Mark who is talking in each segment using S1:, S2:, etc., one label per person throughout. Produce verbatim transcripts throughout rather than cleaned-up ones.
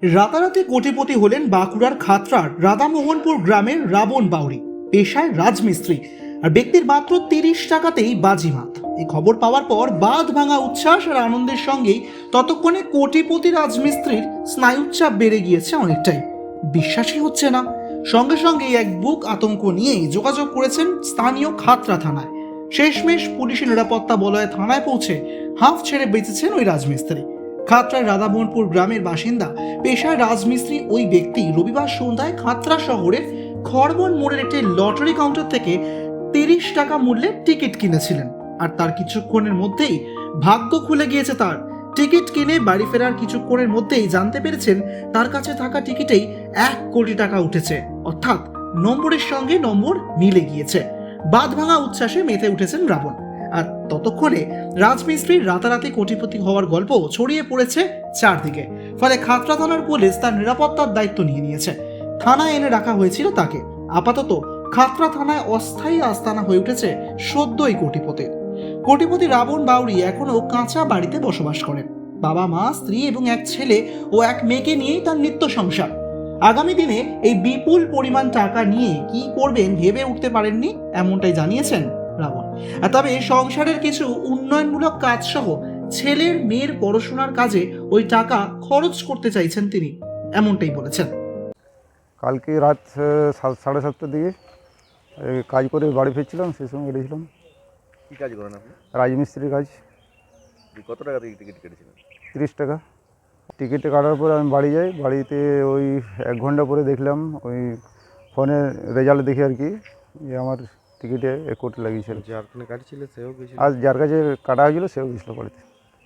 S1: রাতারাতি কোটিপতি হলেন বাঁকুড়ার খাতড়ার রাধামোহনপুর গ্রামের রাবণ বাউরি। পেশায় রাজমিস্ত্রি, আর ব্যক্তির মাত্র তিরিশ টাকাতেই বাজিমাত। এই খবর পাওয়ার পর বাঁধ ভাঙা উচ্ছ্বাস আর আনন্দের সঙ্গেই ততক্ষণে কোটিপতি রাজমিস্ত্রির স্নায়ুচাপ বেড়ে গিয়েছে অনেকটাই। বিশ্বাসই হচ্ছে না। সঙ্গে সঙ্গেই এক বুক আতঙ্ক নিয়েই যোগাযোগ করেছেন স্থানীয় খাতড়া থানায়। শেষমেশ পুলিশি নিরাপত্তা বলয়ে থানায় পৌঁছে হাঁফ ছেড়ে বেঁচেছেন ওই রাজমিস্ত্রি। খাতড়ার রাধামোহনপুর গ্রামের বাসিন্দা, পেশায় রাজমিস্ত্রি ওই ব্যক্তি রবিবার সন্ধ্যায় খাতড়া শহরের খড়বন মোড়ের একটি লটারি কাউন্টার থেকে তিরিশ টাকা মূল্যের টিকিট কিনেছিলেন। আর তার কিছুক্ষণের মধ্যেই ভাগ্য খুলে গিয়েছে তার। টিকিট কিনে বাড়ি ফেরার কিছুক্ষণের মধ্যেই জানতে পেরেছেন তার কাছে থাকা টিকিটেই এক কোটি টাকা উঠেছে, অর্থাৎ নম্বরের সঙ্গে নম্বর মিলে গিয়েছে। বাঁধ ভাঙা উচ্ছ্বাসে মেতে উঠেছেন রাবণ। আর ততক্ষণে রাজমিস্ত্রির রাতারাতি কোটিপতি হওয়ার গল্প ছড়িয়ে পড়েছে চারদিকে। ফলে খাতড়া থানার পুলিশ তার নিরাপত্তার দায়িত্ব নিয়ে নিয়েছে। থানায় এনে রাখা হয়েছিল তাকে। আপাতত খাতড়া থানায় অস্থায়ী আস্তানা হয়ে উঠেছে সদ্যই কোটিপতির। কোটিপতি রাবণ বাউরি এখনো কাঁচা বাড়িতে বসবাস করেন। বাবা মা, স্ত্রী এবং এক ছেলে ও এক মেয়েকে নিয়েই তার নিত্য সংসার। আগামী দিনে এই বিপুল পরিমাণ টাকা নিয়ে কি করবেন ভেবে উঠতে পারেননি, এমনটাই জানিয়েছেন রাবণ। তবে সংসারের কিছু উন্নয়নমূলক কাজ সহ ছেলের মেয়ের পড়াশোনার কাজে ওই টাকা খরচ করতে চাইছেন তিনি, এমনটাই বলেছেন।
S2: কালকে রাত সাত- সাড়ে সাতটার দিকে এই কাজ করে বাড়ি ফিরছিলাম, সেই সময় কেটেছিলাম।
S3: কী কাজ করেন আপনি?
S2: রাজমিস্ত্রির কাজ।
S3: কত টাকা দিয়ে টিকিট কেটেছিলেন?
S2: তিরিশ টাকা টিকিট কাটার পরে আমি বাড়ি যাই। বাড়িতে ওই এক ঘন্টা পরে দেখলাম ওই ফোনে রেজাল্ট দেখি আর কি, যে আমার টিকিটে এক কোটি লাগিয়েছিল।
S3: যার ফোনে কাটছিল সেও গেছিল?
S2: আর যার কাছে কাটা হয়েছিল সেও গেছিলো বাড়িতে।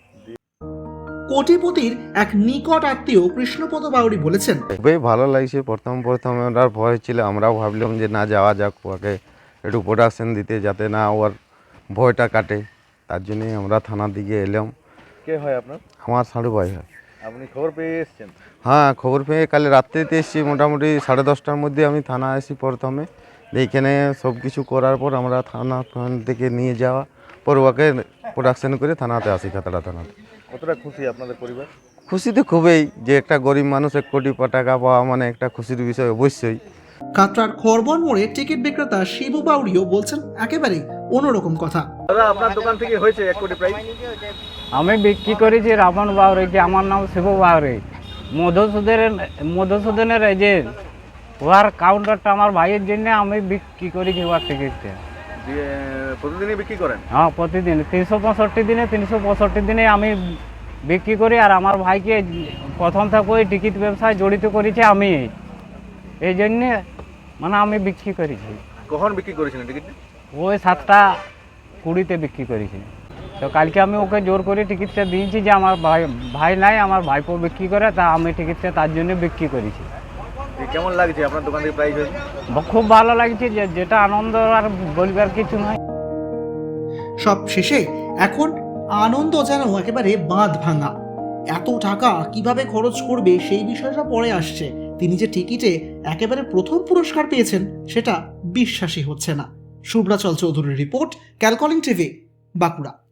S1: কোটিপতির এক নিকট আত্মীয় কৃষ্ণপদ বাউরি বলেছেন,
S4: খুবই ভালো লাগছে। প্রথম প্রথম ওনার ভয় ছিল, আমরাও ভাবলাম যে না যাওয়া যাক, ওকে একটু প্রোডাকশন দিতে, যাতে না ওর ভয়টা কাটে। তার জন্যই আমরা থানার দিকে এলাম।
S3: কে হয় আপনার?
S4: আমার সাড়ু ভাই হয়।
S3: আপনি খবর পেয়ে এসেছেন?
S4: হ্যাঁ, খবর পেয়ে কাল রাত্রিতে এসেছি। মোটামুটি সাড়ে দশটার মধ্যে আমি থানা আসি প্রথমে। এইখানে সব কিছু করার পর আমরা থানা থেকে নিয়ে যাওয়া পর ওকে প্রোডাকশন করে থানাতে আসি, খাতড়া থানাতে।
S3: কতটা খুশি আপনাদের পরিবার?
S4: খুশি তো খুবই, যে একটা গরিব মানুষ এক কোটি টাকা পাওয়া মানে একটা খুশির বিষয় অবশ্যই।
S1: খাতড়ার খড়বন মোড়ে টিকিট বিক্রেতা শিবু বাউরিও বলছেন একেবারেই অন্যরকম কথা।
S3: দাদা, আপনার দোকান থেকে হয়েছে এক কোটি প্রাইস?
S5: আমি বিক্রি করেছি রাবণ বাউরিকে। আমার নাম শিবু বাউরি। মধুসূদনের মধুসূদনের এজেন্ট। ওয়ার কাউন্টারটা আমার ভাইয়ের জন্য আমি বিক্রি করেছি ওয়ার টিকিটটা।
S3: দিয়ে প্রতিদিনই বিক্রি করেন?
S5: হ্যাঁ, প্রতিদিন তিনশো পঁয়ষট্টি দিনে তিনশো পঁয়ষট্টি দিনে আমি বিক্রি করি। আর আমার ভাইকে প্রথম থেকে ওই টিকিট ব্যবসায় জড়িত করেছি আমি, এই জন্যে মানে আমি বিক্রি করেছি।
S3: কখন বিক্রি করেছিলেন টিকিটটা?
S5: ওই সাতটা কুড়িতে বিক্রি করেছি। তো কালকে আমি ওকে জোর করে টিকিটটা দিয়েছি যে আমার ভাই ভাই নাই, আমার ভাইপো বিক্রি করে, তা আমি টিকিটটা তার জন্য বিক্রি করেছি।
S3: কেমন লাগছে আপনার দোকান থেকে প্রাইস হয়েছে?
S5: খুব ভালো লাগছে, যে যেটা আনন্দ আর বলবার কিছু নয়।
S1: সব শেষে এখন আনন্দ যেন একেবারে বাঁধ ভাঙা। এত টাকা কিভাবে খরচ করবে সেই বিষয়টা পরে আসছে। তিনি যে টিকিটে একেবারে প্রথম পুরস্কার পেয়েছেন সেটা বিশ্বাসই হচ্ছে না। শুভ্রাচল চৌধুরীর রিপোর্ট, ক্যালকলিং টিভি, বাঁকুড়া।